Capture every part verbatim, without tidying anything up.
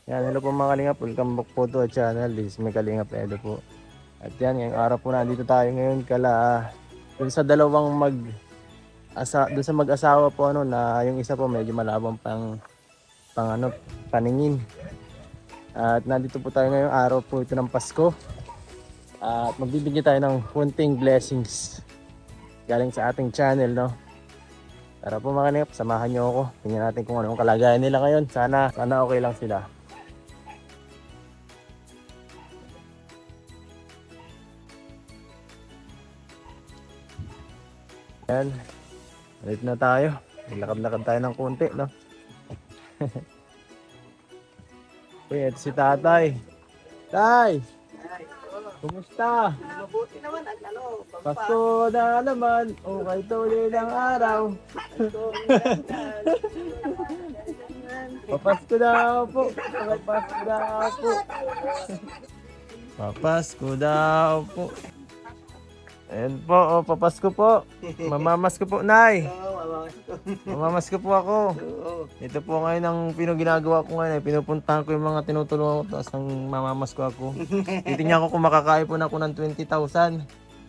Yan, hello po mga Kalingap. Welcome back po to our channel. This is my Kalingap Edo po. At yan, ngayong araw po nandito tayo ngayon kala dun sa dalawang mag asa dun sa mag-asawa po ano na yung isa po medyo malabang pang pang ano paningin. At nandito po tayo ngayong araw po ito ng Pasko. At magbibigay tayo ng konting blessings galing sa ating channel, no. Tara po mga Kalingap, samahan niyo ako. Tingnan natin kung anong kalagayan nila ngayon. Sana sana okay lang sila. Yan, ulit na tayo. Lakad-lakad tayo ng konti, no? Uy, ito si tatay. Tay! Kumusta? Mabuti naman ang ano. Pasko na naman. Okay, tuloy ng araw. Papasko daw po. Papasko daw po. Papasko daw po. Ayan po, oh, papasko po. Mamamasko po, Nay. Mamamasko po ako. Ito po ngayon ang pinoginagawa ko ngayon. Eh. Pinupuntahan ko yung mga tinutulungan ko. Tapos nang mamamasko ako. Titingnan ko kung makakain po na ako ng twenty thousand.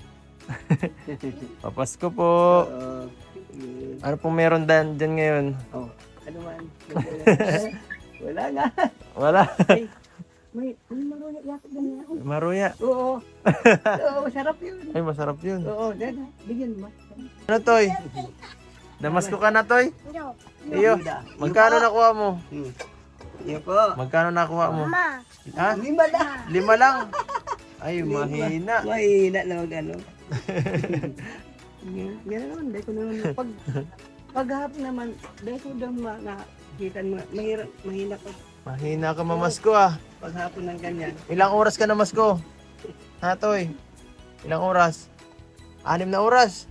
Papasko po. Ano pong meron dyan, dyan ngayon? Oh, ano man. Wala nga. Wala. May, may maruya yata ganyan ako. Maruya. Oo. Oo, masarap yun. Ay, masarap yun. Oo, dada. Bigyan mo. Ano, Toy? Damasko ka na, Toy? Iyo. Magkano nakuha mo? Hmm. Iyo po. Magkano nakuha mo? Ma, Ha? Lima na. Lima lang. Ay, mahina. Mahina na mag ano. Yan naman, dahil ko naman. Pag, paghapon naman, dahil ko daw ma, nakita mo, mahirap, mahina ko. Mahina ka mamasko ah. Paghapon ng ganyan. Ilang oras ka na masko? Ha, Toy? Ilang oras? Anim na oras?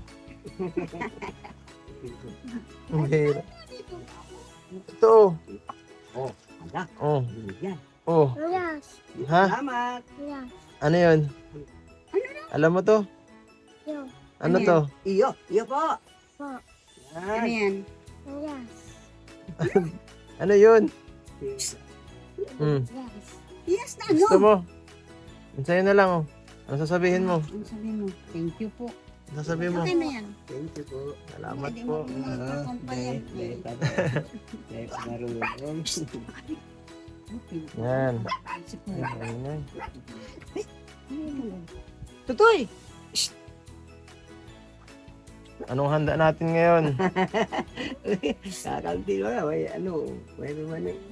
Mahirap. Ito. Oh, ala. Oh. Yan. Oh. yes, Ha? Salamat. yes, Ano yun? Alam mo to? yo, Ano to? Iyo, iyo po. po, Yan. yes, Ano yun? Hmm. yes. Yes na Gusto mo? Sa'yo na lang oh. Ano sasabihin mo? Ano sabihin mo? Thank you po. Ano sasabihin mo? Okay na yan. Thank you po. Salamat po. Yan. Ayan. Tutoy! Anong handa natin ngayon? Kakalti mo na, may ano, may naman eh.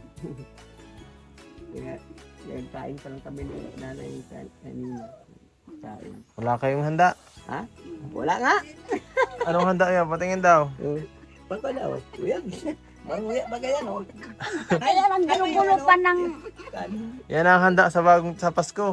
Kaya, kaya kain pa lang kami ng nanay kanina. Kain. Wala kayong handa? Ha? Wala nga! Anong handa yan? Patingin daw. Uh, Baka daw, kuya. Maruya ba kaya no? Kaya lang gulo-gulo pa ng... Yan ang handa sa bagong sa Pasko.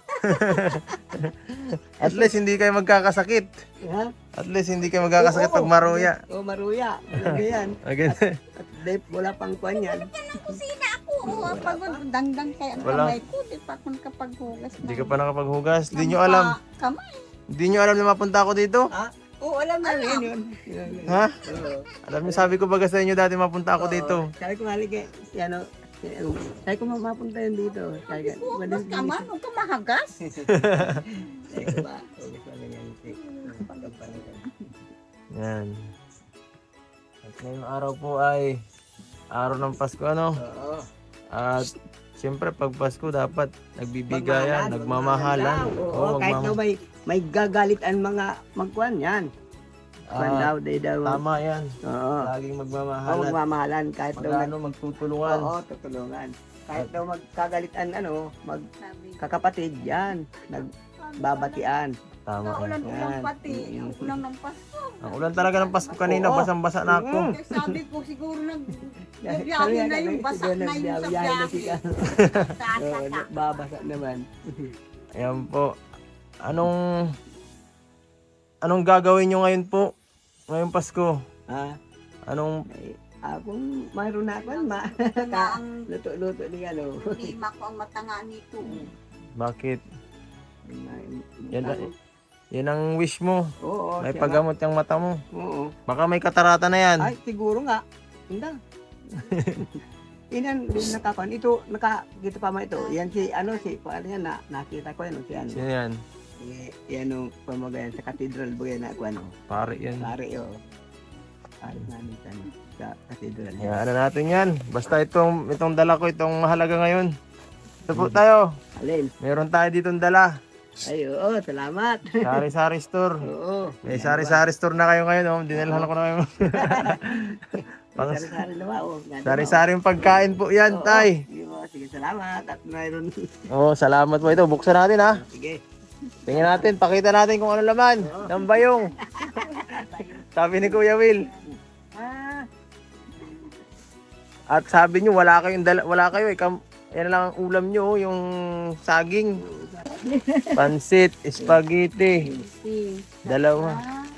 At least hindi kayo magkakasakit. Ha? At least hindi kayo magkakasakit pag maruya. Oo, maruya. Ano yan? Again. At dahil wala pang kwan yan. Kusina ako. Oh, pag dangdang kaya ang Wala. kamay ko, di pa ako nakapaghugas. Hindi ka pa nakapaghugas. Hindi nyo alam. Kamay. Hindi nyo alam na mapunta ako dito. Ha? Oo, alam na rin yun. Ha? Oo. Alam niyo, sabi ko baga sa inyo dati mapunta ako dito. Sabi ko halika, si ano, si ano, sabi ko mapunta yun dito. Sabi ko, Hugas ka man, huwag ka mahagas. sabi ko ba, hugas ka lang yan. Pagkapalit. Yan. At ngayong araw po ay araw ng Pasko, ano? Oo. At siyempre pag Pasko dapat nagbibigayan, Magmahalan, nagmamahalan. magmamahalan lang. Oo, Oo, kahit magmam- na may, may gagalit ang mga magkuhan yan. Kwan Ah, daw, day daw. Tama yan. Oo. Laging Oo, magmamahalan. magmamahalan kahit daw nag... Magano magtutulungan. Oo, tutulungan. Kahit daw magkagalitan, ano, magkakapatid, yan. Nagbabatian. Tama yan. Ulan-ulan pati. Ang ulan ng Pasko. Ang ulan talaga ng Pasko kanina, Oo. basang-basa na ako. Mm. Kaya sabi ko siguro nag... Sabi Biyahe yan, na ano, yung basa siguro na yung sa nagbiyahe na si biyahe. Carlo. Oo, Sasaka. babasa naman. Ayan po. Anong anong gagawin nyo ngayon po? Ngayong Pasko? Ha? Anong Ay, akong mayroon na ako, ma. Nga ang Luto-luto ni ano. lima ko ang matanga nito. bakit? Yan, Yan. yan ang wish mo. Oo, May siya paggamot yung mata mo. nga. Oo. Baka may katarata na yan. Ay, siguro nga. Hindi. Inan din nakakuan. Ito, naka, dito pa man ito. Yan si, ano, si, ano yan, na, nakita ko yan, si ano. Sino yan? Eh, yan ang pamagayan sa cathedral ba yan, ako ano. Pare yan. Pare, o. Pare namin sa, ano, sa cathedral. Yan, ano natin yan. Basta itong, itong dala ko, itong mahalaga ngayon. Ito po tayo. Alin? Meron tayo ditong dala. Ay, oo, salamat. Sari-sari store. Oo. May sari-sari store na kayo ngayon, oh. Dinalhan ko na kayo. Pang Sari-sari na ba? Oh, ganda ba? sari-sari yung pagkain po yan, Oo, tay. Sige, po, sige, salamat. At mayroon. Oh, salamat po ito. Buksan natin, ha. Sige. Tingnan natin, pakita natin kung ano laman ng bayong. Sabi ni Kuya Will. Ah, At sabi niyo wala kayong dala, wala kayo eh. Kam, yan lang ang ulam niyo, oh, yung saging. Pansit, spaghetti. Dalawa.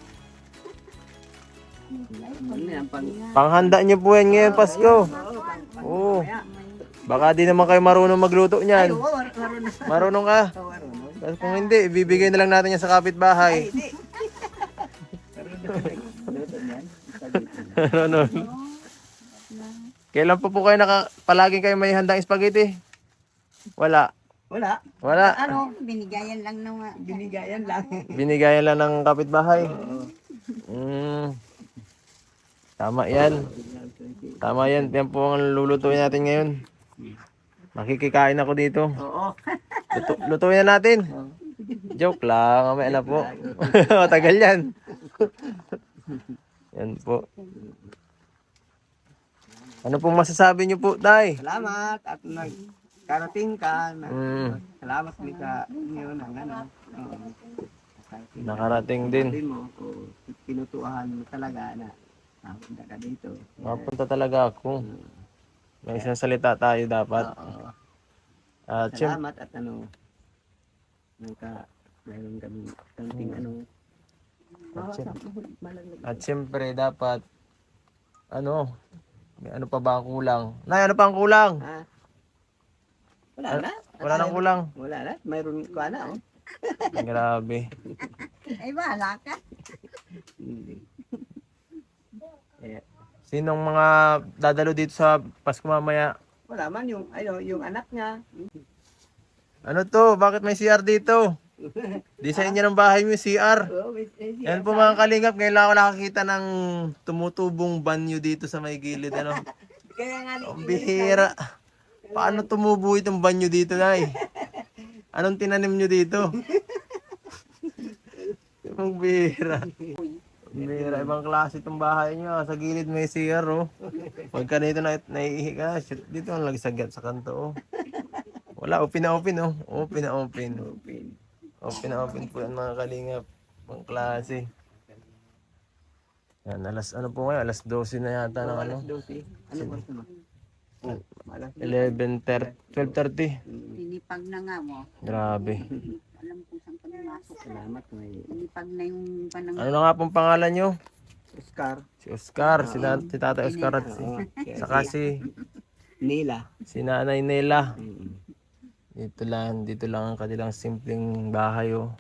ano yan, pang... Panghanda niyo po yan ngayon Pasko. Oo, pang... Oo. Kaya. Baka di naman kayo marunong magluto Ay, niyan. oo, mar- marunong. Marunong ka. Oo, marunong. Tapos kung hindi, ibibigay na lang natin yan sa kapitbahay. Hindi. Marunong. Luto niyan. Marunong. Kailan po po kayo naka, palaging kayo may handang spaghetti? Wala. Wala. Wala. Ano, binigayan lang ng mga... Binigayan lang. Binigayan lang ng kapitbahay. Oo. Mm. Tama yan. Tama yan. Yan po ang lulutuin natin ngayon. Makikikain ako dito. Oo. Luto, lutuin na natin. Joke lang. Mamaya na po. Matagal yan. Yan po. Ano pong masasabi niyo po, Tay? Salamat at nagkarating ka. Na, Mm. Salamat din sa inyo ng ano. Oo. Nakarating din. Sabi mo, kung pinutuhan mo talaga na napunta ka dito. Mapunta talaga ako. May isang salita tayo dapat. Oo. At syem- Salamat at ano, nagka, mayroon kami kanting ano. At syem- Malaglag. At siyempre dapat ano, may ano pa ba ang kulang? Nay, ano pa ang kulang? Ha? Wala na. Wala nang kulang. Wala na. Mayroon ko na, oh. Grabe. Ay, bahala ka. Hindi. Eh, Sinong mga dadalo dito sa Pasko mamaya? wala man yung, ano, yung anak niya. Ano to? Bakit may C R dito? Di sa inyo ng bahay mo yung C R. Oh, may- may siya. Yan po mga kalingap, ngayon lang ako nakakita ng tumutubong banyo dito sa may gilid. Ano? Kaya nga, Ang bihira. Paano tumubo itong banyo dito, Nay? Anong tinanim nyo dito? Ang bihira. Ang bihira. Ibang klase itong bahay nyo. Sa gilid may C R, oh. Pagka dito na naiihi ka, shit, dito ang lagi sagat sa kanto, oh. Wala, open na open, oh. Open na open. Open. Open na open po yan mga kalingap. Ibang klase. Yan, alas, ano po ngayon? Alas dose na yata ng ano? Alas dose. Ano ba ito? Oh, alas eleven thirty, twelve thirty. Pinipag na nga mo. Grabe. Alam kung saan ka pumasok. Salamat, may Pinipag na yung panang... Ano na nga pong pangalan nyo? Oscar. Si Oscar, si, na, si Tata Oscar at si, Oo. saka si, Nila. si Nanay Nela. Mm. Dito lang, dito lang ang kanilang simpleng bahay, oh.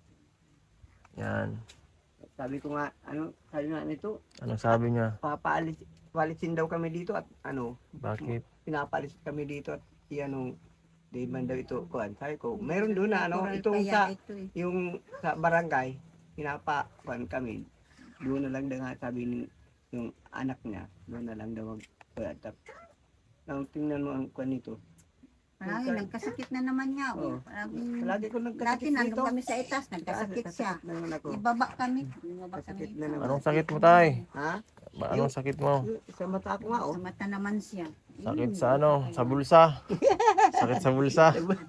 Yan. Sabi ko nga, ano, sabi nga nito, Anong sabi niya? papaalis, palisin daw kami dito at ano, Bakit? pinapalis kami dito at iano, di man daw ito, kuhan. Sabi ko, meron doon na ano, Natural itong kaya sa, ito eh. yung sa barangay, pinapa, kuhan kami. Doon na lang daw nga sabi ni, yung anak niya, doon na lang daw mag, kuhan. Tap, nang tingnan mo ang kuhan nito. Palagi, nagkasakit na naman niya. Oo. Oh. Palagi, Lagi ko dati nagkasakit nandun dito. kami sa itas, nagkasakit siya. Naman ako. Ibaba kami. Ibaba kami. Kasakit na naman. Anong sakit mo, Tay? Ha? Ba, anong sakit mo? Sa mata ko nga, oh. Sa mata naman siya. Sakit sa ano? Sa bulsa? Sakit sa bulsa?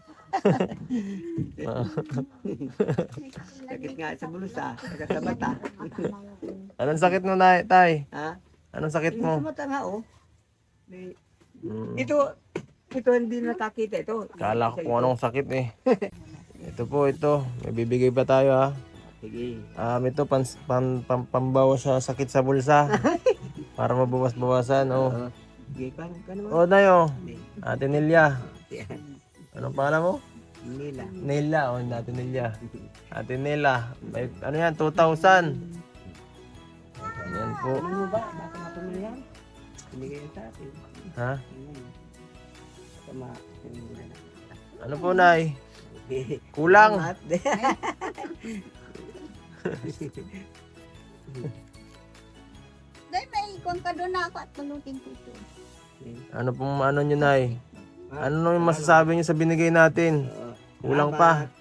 Sakit nga sa bulsa, saka sa mata. Anong sakit mo, Nay, Tay? Ha? Anong sakit Yung sa mo? mata nga, oh. May- Hmm. Ito, ito hindi nakakita ito. Kala ko kung anong sakit eh. Ito po, ito. May bibigay pa tayo, ha. Sige. Um, ito, pan, pan, pan, pambawas sa sakit sa bulsa. Para mabawas-bawasan, oh. Oo. Sige, kan, kan naman. Oh, Dayo. Hindi. Ate Nelia. Yan. Anong pangalan mo? Nila. Nelia, oh, Ate Nelia. Ate Nela. May, ano yan, two thousand. Yan po. Ano mo ba? Baka natin mo yan? Binigay yan sa atin. Ha? Ayun. Tama. Ayun. Ano po, Nay? Kulang. Salamat. Dahil may ikon ka doon na ako at pulutin ko ito. Ano pong ano nyo, Nay? Ah, Ano nung masasabi nyo sa binigay natin? oo. Kulang pa.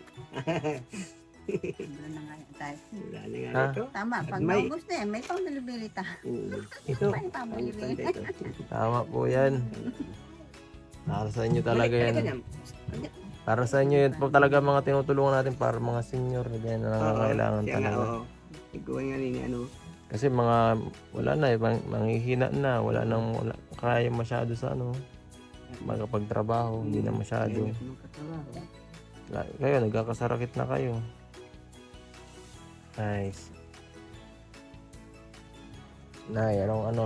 Wala na nga yan tayo. Wala na nga Ha? ito. Tama, pag May- naubos na yan, may pambilibili ta. Mm. Ito. May pambilibili. Ito. Tama po yan. Para sa inyo talaga Balik- yan. balik ka dyan. Para sa inyo yan po talaga mga tinutulungan natin para mga senior yan na nangangailangan Oo, siya nga, talaga. oo. Ikaw nga rin, ano. Kasi mga wala na eh, mang- manghihina na, wala nang wala, kaya masyado sa ano, magkapagtrabaho, hindi na masyado. Kaya magkatrabaho. La- Kayo, nagkakasarakit na kayo. Nice. Nay, anong ano?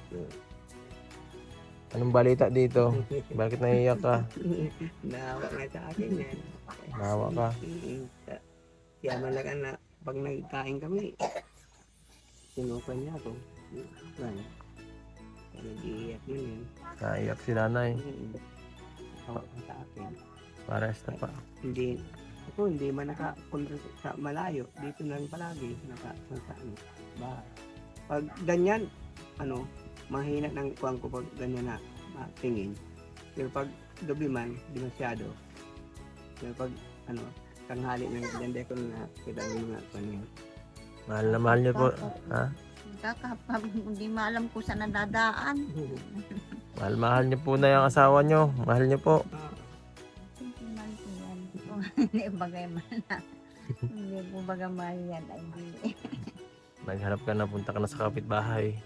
Anong balita dito? Bakit naiiyak ka? Naawa nga sa akin yan. Nawa ka. Mm, sa- Siya malaga na pag nagkain kami, sinukan niya ako. Yan. Kaya nag-iiyak mo yan. Naiiyak si nanay. Mm. Awa ka sa akin. Pares na pa. Hindi, ako hindi man nakapunta sa malayo. Dito na lang palagi, naka, sa ano, bahay. Pag ganyan, ano, mahina ng kuwang ko pag ganyan na matingin. Pero pag gabi man, di masyado. Pero pag, ano, tanghali ng ganda ko na kita yung mga kuwan yun. Mahal na mahal niyo po. Ha? Kakapag hindi maalam kung saan nadadaan. Mahal mahal niyo po na yung asawa niyo. Mahal niyo po. Ah, Hindi man po yan. Kung Hindi bagay man na. Hindi po bagay mahal yan. Ay, hindi. Naghanap ka na, punta ka na sa kapitbahay.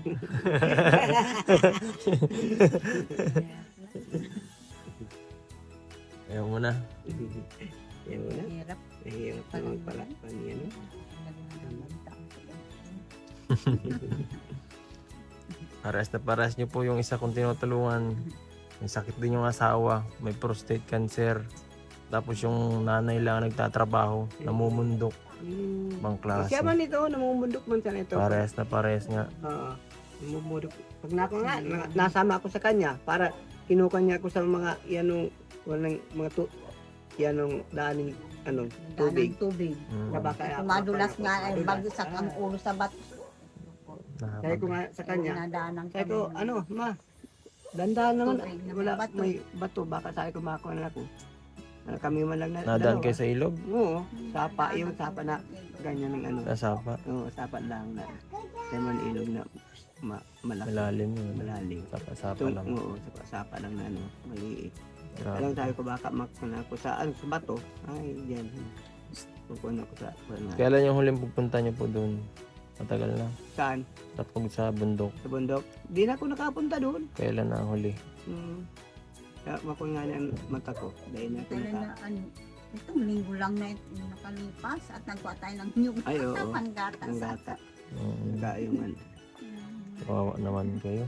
Ayaw mo na. Yan mo na. Hirap. Nahihirap naman pala. Paano yan? no? Pares na pares niyo po yung isa kong tinutulungan. May sakit din yung asawa. May prostate cancer. Tapos yung nanay lang nagtatrabaho. Namumundok. Hmm. Ibang klase. Siya man ito, namumundok man sa ito. Pares na pares nga. Oo. Namumundok. Pag nako nga, na- nasama ako sa kanya para kinuha niya ako sa mga yanong walang mga tu yanong daaning ano tubig. Tubig. Mm. Na baka Madulas nga ay madulas. bagsak ang Ah. ulo sa bato. Sabi ko nga sa kanya, Nadaanan sabi ko, ano, ma, dandahan naman, Tubig na may wala, bato. may bato, baka sabi ko makakuha na ako. Ah, kami man lang na, Nadaan dalawa. kayo sa ilog? Oo, sapa, yung sapa na, ganyan ng ano. Sa sapa? Oo, sapa lang na, naman ilog na ma, malaki, Malalim yun. malalim. Sapa-sapa Ito, lang. oo, sapa, sapa lang na ano, maliit. Grabe. Alam sabi ko baka makuna ako sa, ano, sa bato, ay, diyan. Pupunan ako sa, ano, Kailan yung huling pupunta niyo po doon? Matagal na. saan? Sa pag sa bundok. Sa bundok. Di na ako nakapunta doon. Kailan na ang huli? Hmm. Kaya makuha nga ang mata ko. Dahil na ako Kailan naka... na ano, itong linggo lang na ito nakalipas at nagkuha tayo ng nyug. Ay, oo. Panggata Ang sa gata. Mm, Naka yung ano. kawawa naman kayo.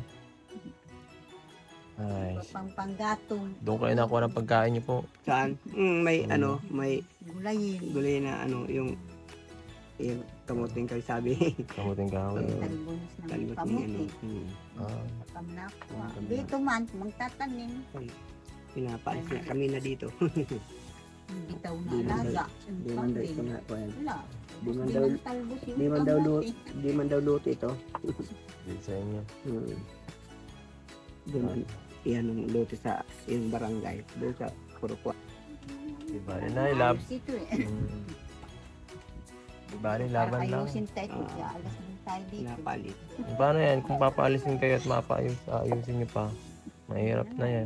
Ay, pang panggatong doon kayo nakuha ng pagkain niyo po. Saan? Mm, may Hmm. ano, may gulayin. gulay na ano, yung yung kamuting kayo sabi. Kamuting kahoy. Oo. Talbos ng Talbot ni ano. kamuti. Hmm. Ah, Pamnakwa. Pamnakwa. Dito man, magtatanim. Pinapaalis na kami na dito. Bitaw na Di man alaga. Di man daw ito nga po yan. Wala. Di man Di daw, man talbos yung di man daw luto, kamuti. di man daw luto ito. di sa inyo. Hmm. Di man, yan ang luto sa yung barangay. Doon sa Purukwa. Di ba? Na, lab. Ayos ito eh. Mm. Di ba? Para Laban lang. ayusin tayo. Ah. Kaya alas din tayo dito. Pinapalit. Paano yan? Kung papaalisin kayo at mapaayos, ayusin niyo pa. Mahirap na yan.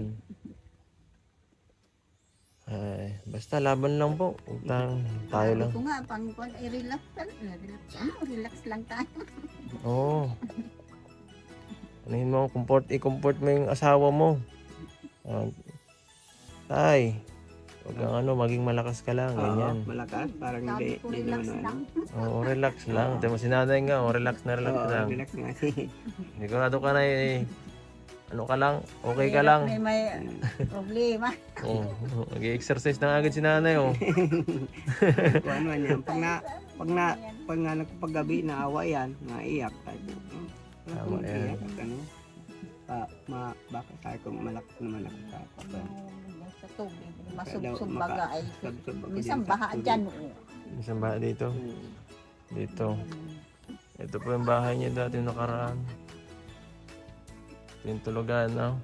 Ay, basta laban lang po. Huwag tayong- tayo lang. Ito nga, pang pang i-relax lang. Relax, ano, relax lang tayo. Oo. Anuhin mo, comfort, i-comfort mo yung asawa mo. Ah, tay, huwag kang ano, maging malakas ka lang, ganyan. Oo, malakas. Parang Sabi hindi, ko, hindi relax naman lang. ano. Oo, relax lang. Tama si nanay nga, oh, relax na relax Oo, lang. relax nga. Sigurado ka na eh. Ano ka lang, okay ka lang. May, may problema. Oo, nag-exercise na agad si nanay, oh. Kung ano yan. Pag na, pag na, pag nga nagpagabi, naawa yan, naiyak. Kahit, hmm, wala Tama akong yan. iyak, ano. pa, ma, baka tayo kung malakas naman ako sa papan. Sa tubig. Kaya Masubsub daw baga ay. makasubsob ako Isang din sa baha tubig. dyan. oo. Isang bahay dito. Hmm. Dito. Ito po yung bahay niya dati nakaraan. Ito yung tulugan, no?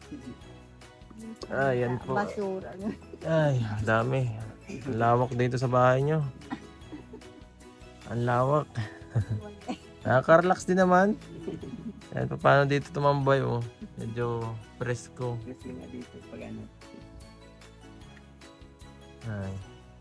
Ah, yan po. Basura. Ay, dami. Ang lawak dito sa bahay nyo. Ang lawak. Nakaka-relax din naman. Yan pa paano dito tumambay, oh. Medyo presko. Kasi nga dito pag ano. Ay.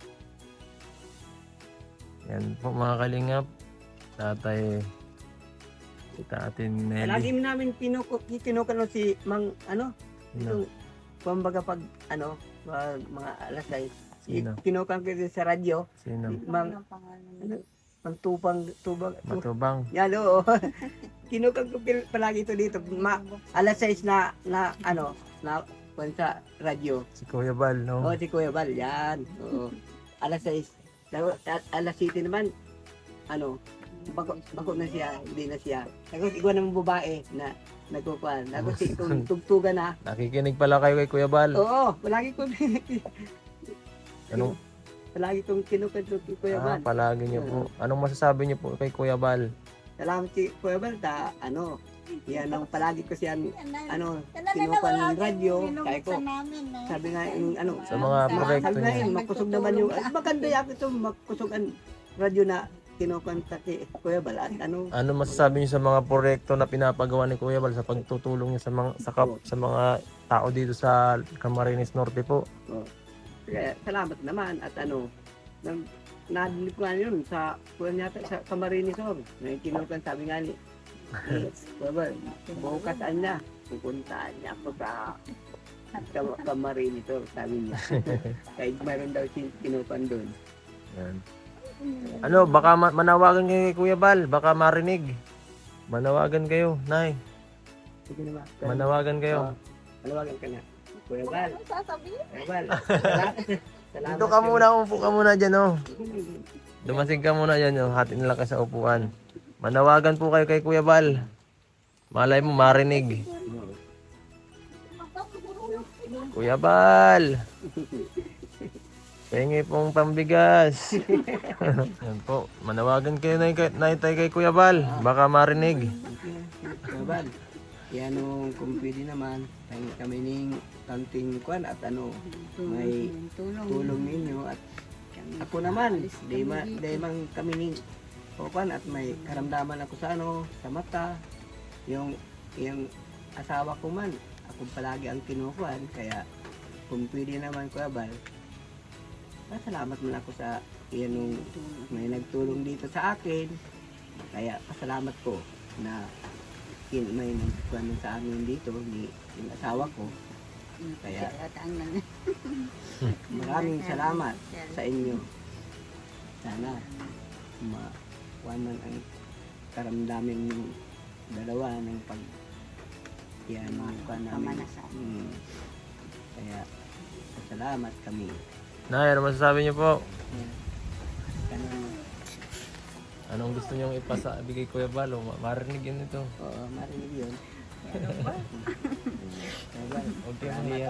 Yan po mga kalingap. Tatay. Si Tatay Lagi Nelly. namin kinuko, kinukuno si Mang, ano, Sino? itong, kumbaga pag, ano, pag mga alas ay, Sino? kinukan ko din sa radyo, Sino? Mang, Ang pangalan. ano, Mang Tupang, Tubang, tu, Matubang. yan oo. Kinukan ko pil- palagi ito dito, ma, alas sais na, na, ano, na, kung sa radyo. Si Kuya Bal, no? Oo, si Kuya Bal, yan. Oo. Alas sais. Tapos, a- alas siyete naman, ano, bako, bako na siya, hindi na siya. Tapos, ikaw naman babae na nagkukuhan. Tapos, kung tugtugan na, Nakikinig pala kayo kay Kuya Bal. oo, palagi ko, Anong, palagi kong kinukan si Kuya ah, Bal. palagi niyo po. Anong masasabi niyo po kay Kuya Bal? Salamat si Kuya Bal, ta, ano, yan ang palagi ko siya, ano, Yan na kinukan naman, ng radyo. binubuksan Sabi ko, namin, eh. sabi nga, yung, ano, Sa mga Sa- proyekto sabi nga niya. yun, magkusog naman yung, ay, maganda yan ito, magkusog ang radyo na kinukan sa kay Kuya Bal. At ano, Ano masasabi niyo sa mga proyekto na pinapagawa ni Kuya Bal sa pagtutulong niya sa mga sa, kap- sa mga tao dito sa Camarines Norte po? kaya salamat naman at ano, nang nadinig ko nga yun sa kuwan yata sa Camarinesor. Na kinukan sabi nga ni ni Kuya Bal, bukas na pupuntaan niya ako sa Cam- Camarinesor, sabi niya. Kahit mayroon daw si kinukan doon. Yan. Ano, baka ma- manawagan kayo kay Kuya Bal, baka marinig. Manawagan kayo, Nay. Sige na ba? Manawagan kayo. Malawagan ka na. Kuya Bal, Ano sasabihin? Kuya Bal. Salamat. Salamat. Dito ka muna, umupo ka muna dyan, oh. Dumasig ka muna dyan, oh. Hati nila ka sa upuan. Manawagan po kayo kay Kuya Bal. Malay mo, marinig. Kuya Bal! Pengi pong pambigas. Yan po. Manawagan kayo na na kay Kuya Bal. Baka marinig. Kuya Bal, yan o, kung pwede naman, tayo kami ning kanting kwan at ano, may tulong. tulong ninyo at ako naman, di ma, di man kami ning kwan at may karamdaman ako sa ano, sa mata, yung, yung asawa ko man, ako palagi ang kinukuhan, kaya kung pwede naman Kuya Bal, pasalamat man ako sa yan nung may nagtulong dito sa akin, kaya pasalamat ko na kin may nagkuhan sa amin dito ni yung asawa ko. Kaya At ang nang- maraming salamat sa inyo. Sana makuha man ang karamdamin ng dalawa ng pag yan ang kuha namin. Pamanasan. Hmm. Kaya salamat kami. Nay, ano masasabi niyo po? Kanang, Anong gusto niyong ipasa bigay Kuya Bal? O, ma- marinig yun ito. oo, marinig yun. Kaya ba? Huwag kayo mahiya.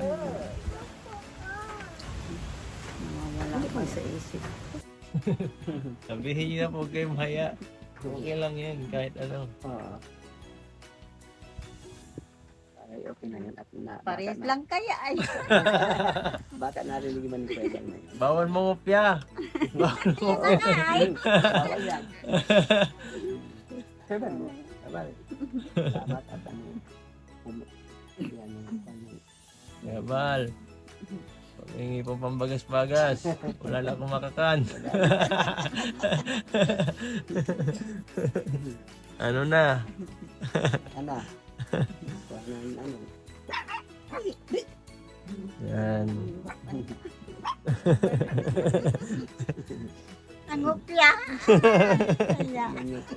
Wala ko sa isip. Sabihin niyo na po, huwag kayo mahiya. Okay lang yan, kahit ano. Oo. Ay, okay na yun. At na, Parehas baka na- lang kaya ay. Baka narinig man ni Kuya Bal na yun. Bawal mangopya. Bawal mangopya. Ay, Bawal yan. Kuya Bal, Kuya Bal, salamat at ano. um- Yan yung ano. Kuya Bal. Paghingi po pambagas-bagas. Wala lang akong makakan. Ano na? Ano? Kuha na yung ano. Yan. ang upya. Kaya. Yan yung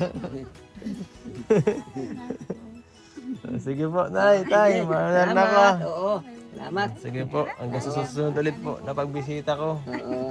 Sige po, Nay, tay. Mahalan na ko. Salamat, oo. Salamat. Sige po, hanggang sa susunod ulit po na pagbisita ko. Oo.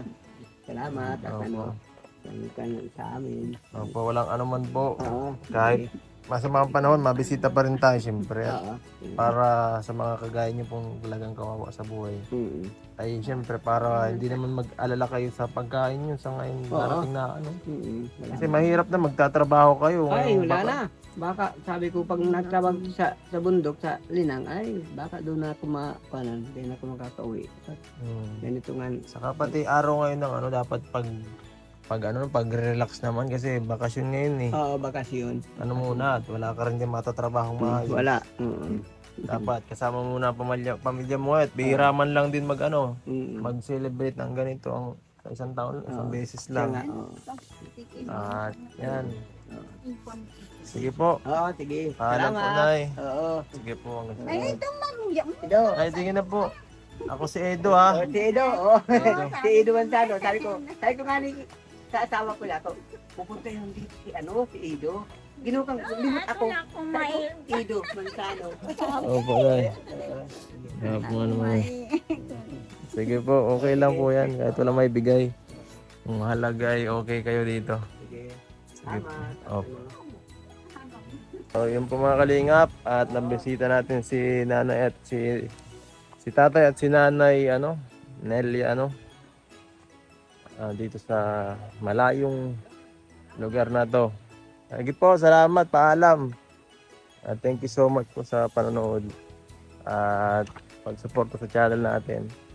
Salamat at Opo. ano. Yan ka sa amin. Opo, walang anuman po. Oo. Kahit masamang panahon, mabisita pa rin tayo siyempre. At Oo. para sa mga kagaya niyo pong talagang kawawa sa buhay. Mm. Ay siyempre para hindi naman mag-alala kayo sa pagkain niyo sa ngayon Oo. darating na ano. Mm. Wala Kasi na. mahirap na magtatrabaho kayo. Ay, Ngayon, wala baka- na. Baka sabi ko pag nagtrabaho sa sa bundok sa Linang, ay baka doon na ako makapanan, hindi na ako makakauwi. Hmm. Ganito nga. Saka pati araw ngayon ng ano dapat pag pag ano pag-relax naman kasi bakasyon ngayon eh. Oo, bakasyon. Ano muna at wala ka rin din matatrabahong Mm, maayos. wala. Mm. Dapat kasama muna ang pamilya, pamilya mo at bihira man lang din mag ano, Mm. mag-celebrate ng ganito ang sa isang taon, isang Oo. beses Kaya nga, lang. oo. At yan. Sige po. Oo, sige. Paalam po, Salamat. Nay. Oo. Sige po. hanggang sa Ay, susunod. ito magya. Edo. Ay, tingin na po. Ako si Edo ha. Oh, si Edo. Oh. Edo. si Edo Manzano. Sabi ko, sabi ko nga ni sa asawa ko lang, pupunta yung dito si ano, si Edo. Ginukang, limot ako. Wala akong Sabi may... ko, Edo Manzano. Opo, Nay. Kaya po nga naman. Sige po, okay lang po yan. Kahit wala may bigay. Ang mahalaga ay okay kayo dito. Sige. Sige po. Salamat. Opo. So, yun po mga kalingap. At nabisita natin si nanay at si si tatay at si nanay ano, Nelly ano. ah, dito sa malayong lugar na to. Sige po, salamat, paalam. At thank you so much po sa panonood at pag-suporta sa channel natin.